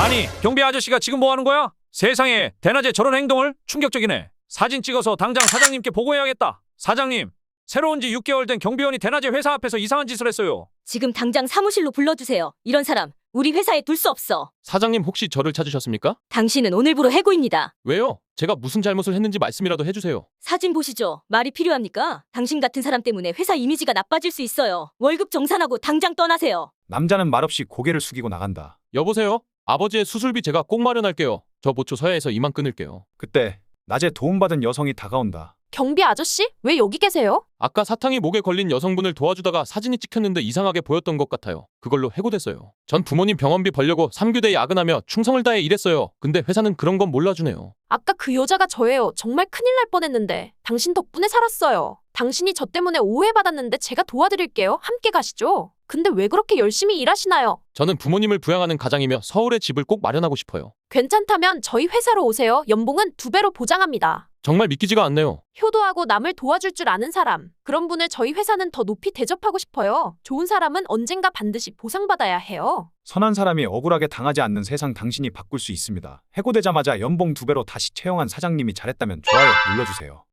아니, 경비 아저씨가 지금 뭐 하는 거야? 세상에, 대낮에 저런 행동을? 충격적이네. 사진 찍어서 당장 사장님께 보고해야겠다. 사장님, 새로운 지 6개월 된 경비원이 대낮에 회사 앞에서 이상한 짓을 했어요. 지금 당장 사무실로 불러주세요. 이런 사람 우리 회사에 둘 수 없어. 사장님 혹시 저를 찾으셨습니까? 당신은 오늘부로 해고입니다. 왜요? 제가 무슨 잘못을 했는지 말씀이라도 해주세요. 사진 보시죠. 말이 필요합니까? 당신 같은 사람 때문에 회사 이미지가 나빠질 수 있어요. 월급 정산하고 당장 떠나세요. 남자는 말없이 고개를 숙이고 나간다. 여보세요? 아버지의 수술비 제가 꼭 마련할게요. 저 모초 서야에서 이만 끊을게요. 그때 낮에 도움받은 여성이 다가온다. 경비 아저씨? 왜 여기 계세요? 아까 사탕이 목에 걸린 여성분을 도와주다가 사진이 찍혔는데 이상하게 보였던 것 같아요. 그걸로 해고됐어요. 전 부모님 병원비 벌려고 3교대에 야근하며 충성을 다해 일했어요. 근데 회사는 그런 건 몰라주네요. 아까 그 여자가 저예요. 정말 큰일 날 뻔했는데 당신 덕분에 살았어요. 당신이 저 때문에 오해받았는데 제가 도와드릴게요. 함께 가시죠. 근데 왜 그렇게 열심히 일하시나요? 저는 부모님을 부양하는 가장이며 서울에 집을 꼭 마련하고 싶어요. 괜찮다면 저희 회사로 오세요. 연봉은 2배로 보장합니다. 정말 믿기지가 않네요. 효도하고 남을 도와줄 줄 아는 사람. 그런 분을 저희 회사는 더 높이 대접하고 싶어요. 좋은 사람은 언젠가 반드시 보상받아야 해요. 선한 사람이 억울하게 당하지 않는 세상 당신이 바꿀 수 있습니다. 해고되자마자 연봉 2배로 다시 채용한 사장님이 잘했다면 좋아요 눌러주세요.